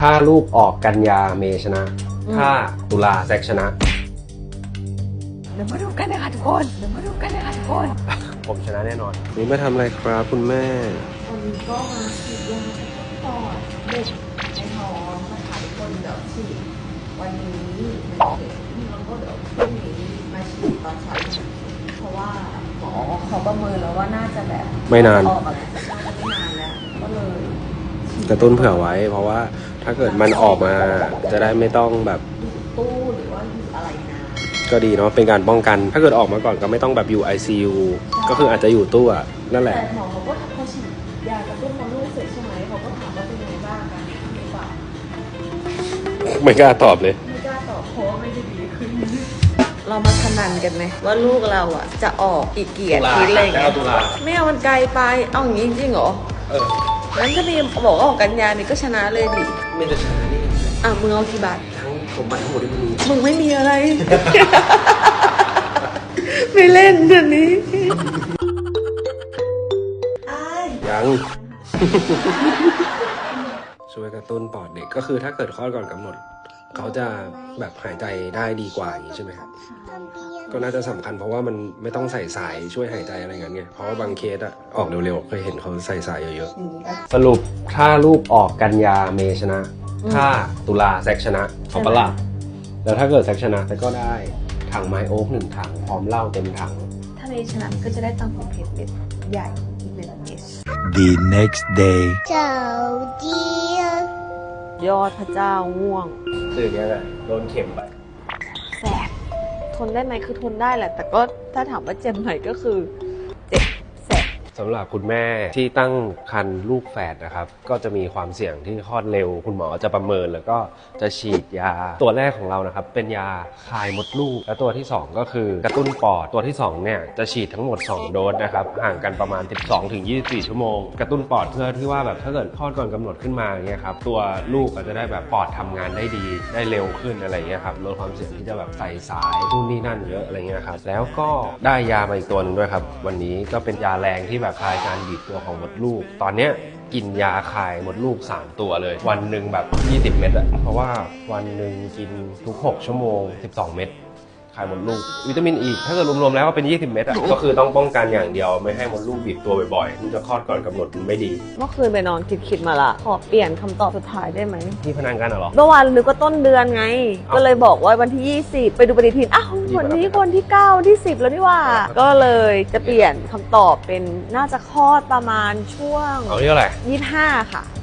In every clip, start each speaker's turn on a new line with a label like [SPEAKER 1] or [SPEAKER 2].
[SPEAKER 1] ถ้าลูกออกกันยาเมชนะถ้าตุลาแซกชนะ
[SPEAKER 2] เดี๋ยวมาดูกันนะคะทุกคน
[SPEAKER 1] ผมชนะแน่นอนนี่มาทำอะไรครับคุณแม่
[SPEAKER 2] วันนี้ก็มาฉีดยาปอดเด็กในท้องนะคะทุกคนเดี๋ยวฉีดวันนี้1 เข็มแล้วก็เดี๋ยวพรุ่งนี้มาฉีดตอนเช้าเพราะว่าหมอเขาประเมินแล้วว่าน่าจะแบบ
[SPEAKER 1] ไม่นาน
[SPEAKER 2] ออกอะไรน่าจะไม่นานแล้วก็เลย
[SPEAKER 1] กระตุ้นเผื่อไว้เพราะว่าถ้าเกิดมันออกมาจะได้ไม่ต้องแบบ
[SPEAKER 2] อยู่ตู้หรือว่าอยู่อะไรนะ
[SPEAKER 1] ก็ดีเนาะเป็นการป้องกันถ้าเกิดออกมาก่อนก็ไม่ต้องแบบอยู่ ICU ก็คืออาจจะอยู่ตู้อะนั่นแหละ
[SPEAKER 2] แต่หมอเขาก็พอฉีดยากระตุ้นมดลูกเสร็จใช่ไหมเขาก็ถามว่าเป็นยังไงบ้างกันหรือเปล่า
[SPEAKER 1] ไม่กล้าตอบเลย
[SPEAKER 2] ไม่กล้าตอบเพราะไม่ได้ดีขึ้นเรามาพนันกันไหมว่าลูกเราอ่ะจะออกอีกกี่อาทิตย์อะไรอย่างเงี้ยไม่เอามันไกลไปเอาอย่างงี้จริงเหรองั้นถ้ามีบอกว่าออกกันยานี่ก็ชนะเลยดิ
[SPEAKER 1] ไม่จะชนะนี่
[SPEAKER 2] มึงเอากี่บาท
[SPEAKER 1] ทั้งผมไปทั้งหมดที่มึงมี
[SPEAKER 2] มึงไม่มีอะไร ไม่เล่นเดี๋ยวนี้
[SPEAKER 1] ยัง ช่วยกระตุ้นปอดเด็กก็คือถ้าเกิดคลอดก่อนกำหนดเขาจะแบบหายใจได้ดีกว่าอย่างนี้ใช่ไหมครับก็น่าจะสำคัญเพราะว่ามันไม่ต้องใส่สายช่วยหายใจอะไรเงี้ยเพราะว่าบางเคสอะออกเร็วๆเคยเห็นเขาใส่สายเยอะๆสรุปถ้าลูกออกกันยาเมชนะถ้าตุลาแซกชนะเอาปะล่ะแล้วถ้าเกิดแซกชนะแต่ก็ได้ถังไม้โอ๊ก1 ถังพร้อมเหล้าเต็มถัง
[SPEAKER 2] ถ้าเมชนะก็จะได้ตังค์ของเพจเม็ดใหญ่อีก1 เม็ด
[SPEAKER 3] The next day
[SPEAKER 2] เจ้าเดียอดพระเจ้าง่วง
[SPEAKER 1] ตื่นยังไงโดนเข็มไป
[SPEAKER 2] แสบทนได้ไหมคือทนได้แหละแต่ก็ถ้าถามว่าเจ็บไหมก็คือเจ็บแสบ
[SPEAKER 1] สำหรับคุณแม่ที่ตั้งครรภ์ลูกแฝดนะครับก็จะมีความเสี่ยงที่คลอดเร็วคุณหมอจะประเมินแล้วก็จะฉีดยาตัวแรกของเรานะครับเป็นยาคลายมดลูกและตัวที่2ก็คือกระตุ้นปอดตัวที่2เนี่ยจะฉีดทั้งหมด2 โดสนะครับห่างกันประมาณ 12-24 ชั่วโมงกระตุ้นปอดเพื่อที่ว่าแบบถ้าเกิดคลอดก่อนกำหนดขึ้นมาเนี่ยครับตัวลูกก็จะได้แบบปอดทำงานได้ดีได้เร็วขึ้นอะไรเงี้ยครับลดความเสี่ยงที่จะแบบใส่สายนู่นนี่นั่นเยอะอะไรเงี้ยครับแล้วก็ได้ยามาอีกตัวนึงด้วยครับวันนี้ก็เป็นยาแรงที่แบบคลายการบีบตัวของมดลูกตอนเนี้ยกินยาคลายมดลูก3 ตัวเลยวันหนึ่งแบบ20 เม็ดอะเพราะว่าวันหนึ่งกินทุก6 ชั่วโมง12 เม็ดคลายมดลูกวิตามินอีกถ้าเกิดรวมๆแล้วก็เป็น20 เม็ดอะก็คือต้องป้องกันอย่างเดียวไม่ให้มดลูกบีบตัวบ่อยๆมันจะคลอดก่อนกำหนดมันไม่ดี
[SPEAKER 2] เมื่อคืนไปนอนคิดมาละขอเปลี่ยนคำตอบสุดท้ายได้ไหม
[SPEAKER 1] ที่พนันกันเหรอ
[SPEAKER 2] เมื่อวานนึกว่าต้นเดือนไงก็เลยบอกว่าวันที่20ไปดูปฏิทินวันนี้คนที่9ที่10แล้วนี่ว่าก็เลยจะเปลี่ยนคำตอบเป็นน่าจะคลอดประมาณช่วง
[SPEAKER 1] เอาที่เท่าไหร่
[SPEAKER 2] 25ค่ะ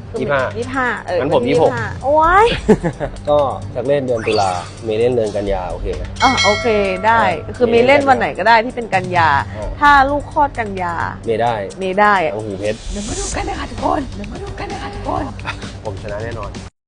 [SPEAKER 2] 25
[SPEAKER 1] งั้นผม26
[SPEAKER 2] โอ้ย
[SPEAKER 1] ก็จากเล่นเดือนตุลาเมย์เล่นเดือนกันยาโอเคไหม
[SPEAKER 2] โอเคได้คือเมย์เล่นวันไหนก็ได้ที่เป็นกันยาถ้าลูกคลอดกันยา
[SPEAKER 1] เมย์ได้
[SPEAKER 2] ได้
[SPEAKER 1] โอ้โหเพชร
[SPEAKER 2] เดี๋ยวมาดูกันนะคะทุกคน
[SPEAKER 1] ผมชนะแน่นอน